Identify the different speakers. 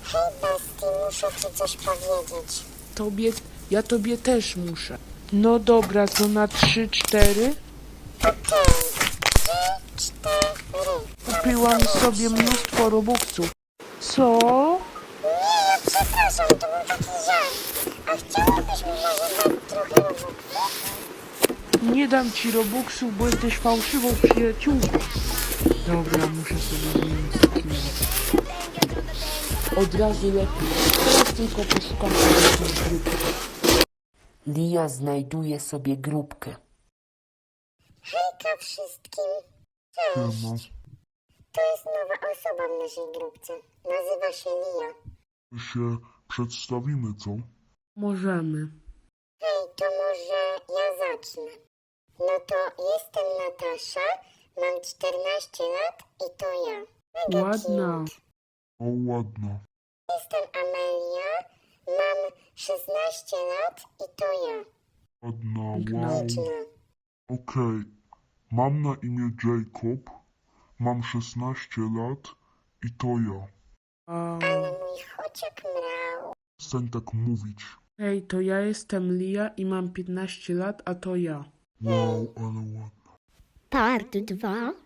Speaker 1: Hej, Basti, muszę ci coś powiedzieć.
Speaker 2: Ja tobie też muszę. No dobra, to na 3, 4.
Speaker 1: Okej. 3, 4.
Speaker 2: Kupiłam sobie mnóstwo robuxów. Co?
Speaker 1: Nie, przepraszam, to był taki żart. A chciałabyś mi może dać trochę robuxów?
Speaker 2: Nie dam ci robuxów, bo jesteś fałszywą przyjaciółką. Dobra, muszę sobie zmienić skin. Od razu lepiej. Teraz tylko poszukam jakiejś grupy. Lia znajduje sobie grupkę.
Speaker 1: Hejka wszystkim. Cześć. To jest nowa osoba w naszej grupce. Nazywa się Lia.
Speaker 3: Się przedstawimy, co?
Speaker 2: Możemy.
Speaker 1: Hej, to może ja zacznę. No to jestem Natasza, mam 14 lat i to ja. Mega
Speaker 2: Ładna.
Speaker 1: cute.
Speaker 3: O, ładno.
Speaker 1: Jestem Amelia, mam 16 lat i to ja.
Speaker 3: Ładna,
Speaker 2: Piękna.
Speaker 3: wow.
Speaker 1: Liczna.
Speaker 3: Okej. Mam na imię Jacob. Mam 16 lat i to ja.
Speaker 1: Ale mój chociak mrał.
Speaker 3: Przestań tak mówić.
Speaker 2: Hej, to ja jestem Lia i mam 15 lat, a to ja.
Speaker 3: Wow, ale ładno.
Speaker 4: Part 2.